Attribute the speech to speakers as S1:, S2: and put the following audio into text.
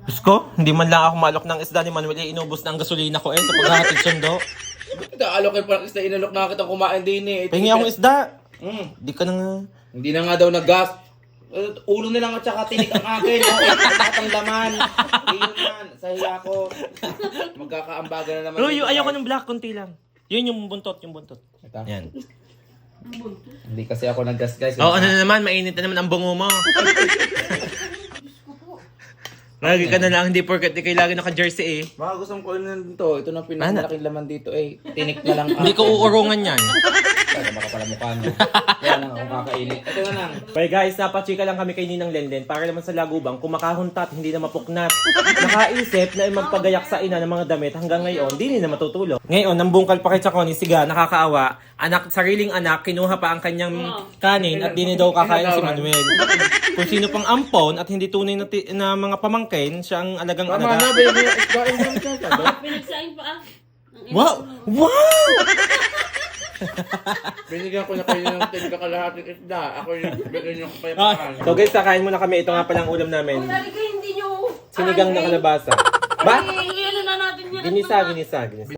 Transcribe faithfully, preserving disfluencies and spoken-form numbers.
S1: Diyos ko, hindi man lang ako malok ng isda ni Manuel. Eh, inubos na ang gasolina ko eh sa paghahatid sundo.
S2: Alokin pa ng isda, inalok na kitang kumain din eh.
S1: Pahingi akong isda.
S2: Mm.
S1: Di ka na nga.
S2: Hindi na nga daw nag-gas. Uh, ulo na lang at saka tinik ang akin. Oh, lahat ang laman. Iyon man, sa hiya ko. Magkakaambaga na naman.
S1: Ruyo,
S2: dito,
S1: ayoko
S2: guys.
S1: ng black, konti lang. Yun yung buntot, yung buntot.
S2: Ito.
S1: Yan.
S2: Hindi kasi ako nag-gas guys.
S1: Oo, ano na naman, mainit na naman ang bungo mo. Lagi ka na lang, hindi porket di kayo lagi naka-jersey eh.
S2: Baka gustong ko nun to. Ito na pinakamalaking laman dito eh. Tinik na lang
S1: Hindi ko uurungan yan.
S2: Kaya baka pala mukha niya. Kaya lang ako kakainit. Ito na lang.
S1: Bye guys, napachika lang kami kay Ninang Lenlen para naman sa lagubang kumakahuntat, hindi na mapuknat. Nakaisip na magpagayak sa ina ng mga damit hanggang ngayon, di na matutulog. Ngayon, nambungkal pa kay Chaconi, siga, nakakaawa. Anak, sariling anak, kinuha pa ang kanyang kanin at di na daw kakain si Manuel. Kung sino pang ampon at hindi tunay na, ti- na mga pamangkin, siya ang alagang
S2: Tama
S1: alaga.
S2: na, baby. Isgain mo siya. Sabi.
S3: Pinagsaing pa ah. Ang
S1: Wow! Wow!
S2: Binigyan ko na kayo ng tinig kakalahating isda. Ako yung bigyan yung
S1: Ah,
S2: kapayapaan.
S1: so guys, kakain muna kami. Ito nga palang ulam namin.
S3: Lagi kayo hindi nyo.
S1: Sinigang na kalabasa. Ba?
S3: Ay, ano na natin yan.
S1: Ginisa, ginisa, ginisa.